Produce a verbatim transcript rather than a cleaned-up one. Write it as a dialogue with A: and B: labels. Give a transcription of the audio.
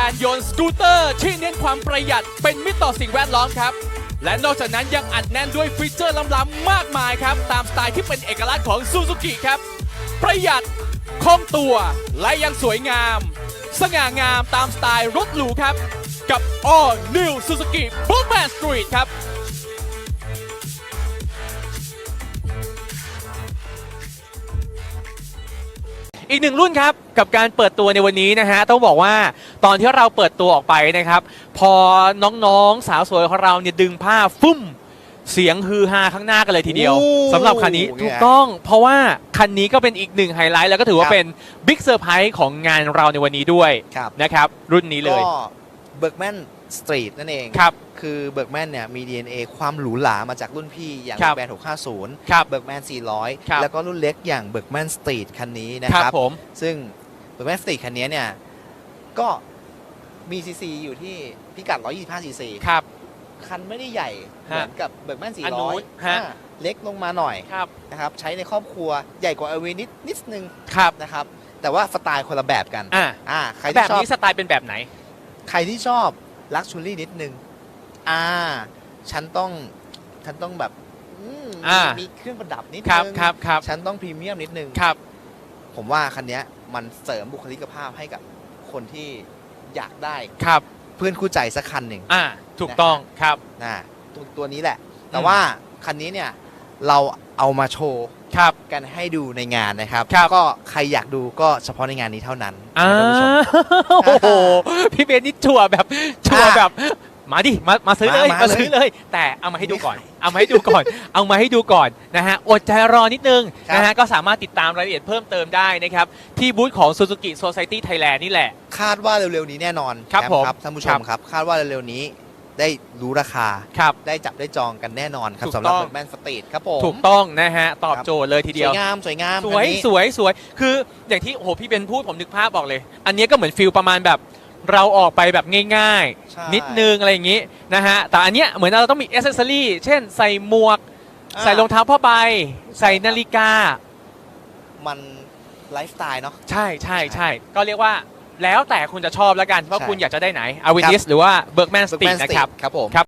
A: านยนต์สกูตเตอร์ที่เน้นความประหยัดเป็นมิตรต่อสิ่งแวดล้อมครับและนอกจากนั้นยังอัดแน่นด้วยฟีเจอร์ล้ำๆมากมายครับตามสไตล์ที่เป็นเอกลักษณ์ของซูซูกิครับประหยัดคล่องตัวและยังสวยงามสง่างามตามสไตล์รถหรูครับกับ All New Suzuki Bookman Street ครับอีกหนึ่งรุ่นครับกับการเปิดตัวในวันนี้นะฮะต้องบอกว่าตอนที่เราเปิดตัวออกไปนะครับพอน้องๆสาวสวยของเราเนี่ยดึงผ้าฟุ่มเสียงฮือฮาข้างหน้ากันเลยทีเดียวสำหรับคันนี้ถูกต้องเพราะว่าคันนี้ก็เป็นอีกหนึ่งไฮไลท์แล้วก็ถือว่าเป็นบิ๊กเซอร์ไพรส์ของงานเราในวันนี้ด้วยนะครับรุ่นนี้เลย
B: ก็เบิร์กแมนสตรีทนั่นเอง
A: ครับ
B: คือเบิร์กแมนเนี่ยมี ดี เอ็น เอ ความหรูหรามาจากรุ่นพี่อย่างแบรนด์หกห้าศูนย์เบิร์กแมนสี่ร้อยแล้วก็รุ่นเล็กอย่างเบิร์กแมนสตรีทคันนี้นะครับผมซึ่งเบิร์กแมนสตรีทคันนี้เนี่ยก็มีซีซีอยู่ที่พิกัดหนึ่งร้อยยี่สิบห้าซีซีครับคันไม่ได้ใหญ่เหมือนกับเบิร์กแมนสี่ร้อยเล็กลงมาหน่อยนะครับใช้ในครอบครัวใหญ่กว่าเอลวีนิดนิดนึงนะครับแต่ว่าสไตล์คนละแบบกัน
A: อ่า
B: อ่าใคร
A: แบบนี้สไตล์เป็นแบบไหน
B: ใครที่ชอบลักชัวรี่นิดนึงอ่าฉันต้องฉันต้องแบบมีเครื่องประดับนิดนึง
A: ครับครับ
B: ฉันต้องพรีเมียมนิดนึง
A: ครับ
B: ผมว่าคันนี้มันเสริมบุคลิกภาพให้กับคนที่อยากได้
A: ครับ
B: เพื่อนคู่ใจสักคันหนึ่ง
A: อ่าถูกต้องครับ
B: นะตัวตัวนี้แหละแต่ว่าคันนี้เนี่ยเราเอามาโชว์กันให้ดูในงานนะครับก็ใครอยากดูก็เฉพาะในงานนี้เท่านั้น
A: อ่าโอ้โหพี่เบนนี่ชัวร์แบบชัวร์แบบมาดิมามาซื้อเลยมาซื้อเลยแต่เอามาให้ดูก่อนเอามาให้ดูก่อนเอามาให้ดูก่อนนะฮะอดใจรอนิดนึงนะฮะก็สามารถติดตามรายละเอียดเพิ่มเติมได้นะครับที่บูธของ Suzuki Society Thailand นี่แหละ
B: คาดว่าเร็วๆนี้แน่นอน
A: ครับผม
B: ท่านผู้ชมครับคาดว่าเร็วๆนี้ได้รู้ราคาได้จับได้จองกันแน่นอนครับสำหรับเบิร์กแมนสตรีทครับผม
A: ถูกต้องนะฮะตอบโจทย์เลยทีเดียว
B: สวยงามสวยงาม
A: สวยสวยสวยคืออย่างที่โอ้โหพี่เบนพูดผมนึกภาพบอกเลยอันนี้ก็เหมือนฟิลประมาณแบบเราออกไปแบบง่ายๆนิดนึงอะไรอย่างนี้นะฮะแต่อันเนี้ยเหมือนเราต้องมีอ c เซสซอรี่เช่นใส่หมวกใส่รองเท้าผ้าใบใส่นาฬิกา
B: มันไลฟ์สไตล์เนาะ
A: ใช่ใช่ใช่ก็เรียกว่าแล้วแต่คุณจะชอบแล้วกันว่าคุณอยากจะได้ไหนอาวินิสหรือว่าเบิร์กแมนสตรีทนะครับ
B: ครับผม